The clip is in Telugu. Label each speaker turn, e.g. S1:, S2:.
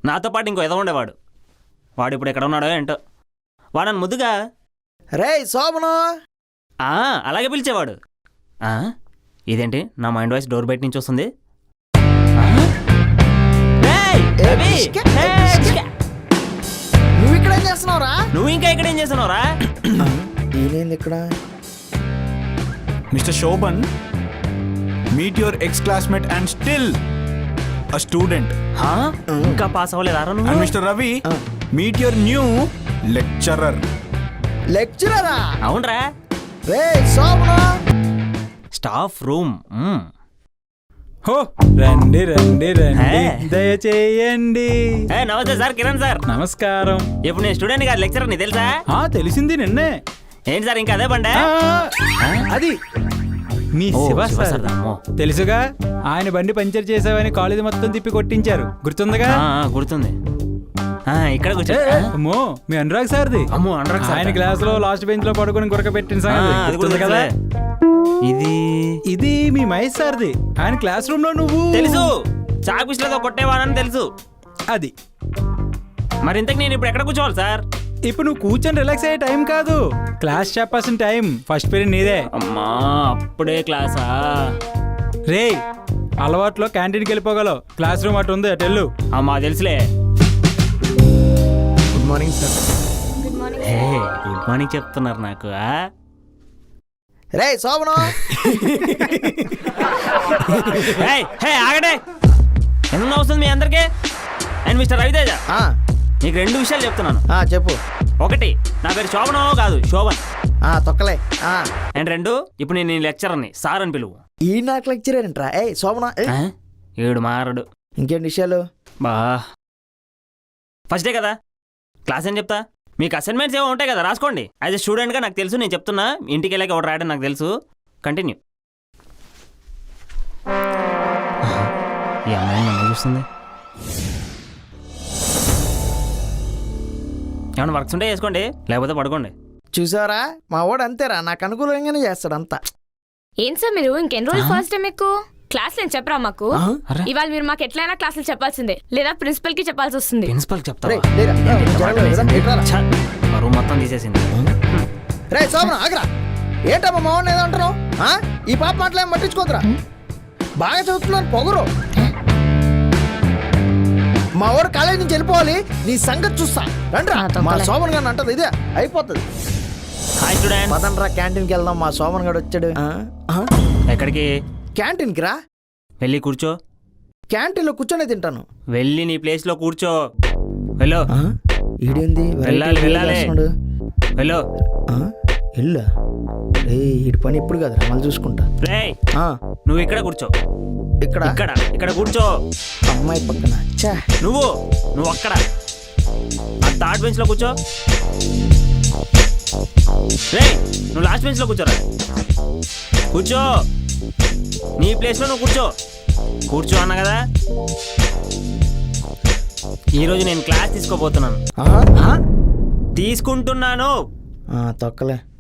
S1: నాతో పాటు ఇంకో ఎదవ ఉండేవాడు. వాడు ఇప్పుడు ఎక్కడ ఉన్నాడో ఏంటో. వాడని ముద్దుగా
S2: రే శోభను
S1: అలాగే పిలిచేవాడు. ఇదేంటి నా మైండ్ వాయిస్ డోర్ బయట నుంచి వస్తుంది?
S2: నువ్వు ఇక్కడ ఏం చేస్తున్నావురా?
S1: నువ్వు ఇంకా ఇక్కడ ఏం చేస్తున్నావురా?
S2: ఈయనేంది ఇక్కడ?
S3: Mister Shobhan, meet your ex classmate and still a student.
S1: ఇంకా పాస్ అవ్వలేదా నువ్వు?
S3: And Mr. Ravi, meet your new lecturer.
S2: లెక్చరరా?
S1: అవునరా.
S2: రే శోభను,
S1: స్టాఫ్ రూమ్.
S4: హో రండి రండి రండి, దయచేయండి.
S1: నమస్తే సార్, కిరణ్ సార్.
S4: నమస్కారం.
S1: ఇప్పుడు నేను స్టూడెంట్ గారు లెక్చరర్ ని తెలుసా?
S4: తెలిసింది నిన్నే.
S1: ఏంటి సార్ ఇంకా అదే బండే?
S4: అది మీ శివ సార్. తెలుసుగా, ఆయన బండి పంచర్ చేసావని కాలేజీ మొత్తం తిప్పి కొట్టించారు, గుర్తుందిగా?
S1: గుర్తుంది. ఇక్కడ
S4: అమ్మో మీ అనురాగ్ సార్ది.
S1: అమ్మో అనురాగ్ సార్.
S4: ఆయన క్లాస్ లో లాస్ట్ బెంచ్ లో పడుకుని గురక పెట్టిన సంగతి కదా. ఇది మీ మహేష్ సార్ది. ఆయన క్లాస్ రూమ్ లో నువ్వు
S1: తెలుసు, చాకుష్లతో కొట్టేవాడని తెలుసు.
S4: అది
S1: మరి ఇంతకు నేను ఇప్పుడు ఎక్కడ కూర్చోవాలి సార్?
S4: ఇప్పుడు నువ్వు కూర్చొని రిలాక్స్ అయ్యే టైం కాదు, క్లాస్ చెప్పాల్సిన టైం. ఫస్ట్ పీరియడ్ నీదే.
S1: అమ్మా అప్పుడే క్లాసా?
S4: రే అలవాట్లో క్యాంటీన్కి వెళ్ళిపోగలవు, క్లాస్ రూమ్ అటు ఉంది, అటు వెళ్ళు.
S1: అమ్మా తెలుసులే.
S2: Good morning sir.
S1: Good morning చెప్తున్నారు నాకు.
S2: రే శోభను,
S1: ఆగడే. ఎందుకు నవ్వుతుంది మీ అందరికీ? అండ్ మిస్టర్ రవితేజ, నీకు 2 విషయాలు చెప్తున్నాను.
S2: చెప్పు.
S1: 1, నా పేరు శోభనో కాదు, శోభన్.
S2: తొక్కలే.
S1: అండ్ 2, ఇప్పుడు నేను లెక్చరర్ని, సార్ అని పిలువు.
S2: ఈ నాకు లెక్చరర్ ఏంట్రా? శోభన
S1: ఏడు మారడు.
S2: ఇంకేంటి విషయాలు?
S1: ఫస్ట్ డే కదా, క్లాస్ ఏం చెప్తా. మీకు అసైన్మెంట్స్ ఏమో ఉంటాయి కదా, రాసుకోండి. యాజ్ ఎ స్టూడెంట్గా నాకు తెలుసు, నేను చెప్తున్నా. ఇంటికి వెళ్ళాక ఎవరు రాయడం నాకు తెలుసు. కంటిన్యూ. ఈ అమ్మాయి నన్ను చూస్తుంది. ఏమన్నా వర్క్స్ ఉంటే చేసుకోండి, లేకపోతే పడుకోండి.
S2: చూసారా, మా వాడు అంతేరా, నాకు అనుకూలంగానే చేస్తాడు అంతా.
S5: ఏం సార్ మీరు ఇంకెన్ని రోజులు ఫస్ట్ టైం మీకు క్లాస్ నేను చెప్పరా? మాకు ఇవాళ మీరు మాకు ఎట్లయినా క్లాసులు చెప్పాల్సిందే, లేదా ప్రిన్సిపల్ కి చెప్పాల్సి వస్తుంది.
S1: ప్రిన్సిపల్ చెప్తా మొత్తం తీసేసింది.
S2: రే శోభన ఆగరా. ఏంటమ్మా మా వాడిని ఏదో అంటున్నావు? ఈ పాప మాటలేం పట్టించుకోదురా. బాగా చదువుతున్నాను పొగరు. మా వాడు కాలేజీ నుంచి వెళ్ళిపోవాలి, నీ సంగతి చూస్తా. రండ్రా. మా శోభన్ గారిని అంటది ఇదే అయిపోతుంది.
S1: హాయ్ స్టూడెంట్,
S2: పదండ్రా క్యాంటీన్కి వెళ్దాం. మా శోభన్ గారు వచ్చాడు.
S1: ఎక్కడికి?
S2: క్యాంటీన్కి రా.
S1: వెళ్ళి కూర్చో.
S2: క్యాంటీన్లో కూర్చొని తింటాను.
S1: వెళ్ళి నీ ప్లేస్ లో కూర్చో. వెళ్ళు.
S2: ఈడేంది
S1: వెళ్ళాలి, వెళ్ళాలి. వెళ్ళు.
S2: ఇల్లా? ఈడి పని ఇప్పుడు కదరా, మళ్ళీ చూసుకుంటా.
S1: నువ్వు ఇక్కడ కూర్చో.
S2: ఇక్కడ
S1: ఇక్కడ ఇక్కడ కూర్చో.
S2: అమ్మాయి పక్కన.
S1: నువ్వు అక్కడ ఆ థర్డ్ బెంచ్ లో కూర్చో. నువ్వు లాస్ట్ బెంచ్ లో కూర్చోరా. కూర్చో. నీ ప్లేస్ లో నువ్వు కూర్చో అన్నా కదా. ఈరోజు నేను క్లాస్ తీసుకోబోతున్నాను. తీసుకుంటున్నాను.
S2: తొక్కలే.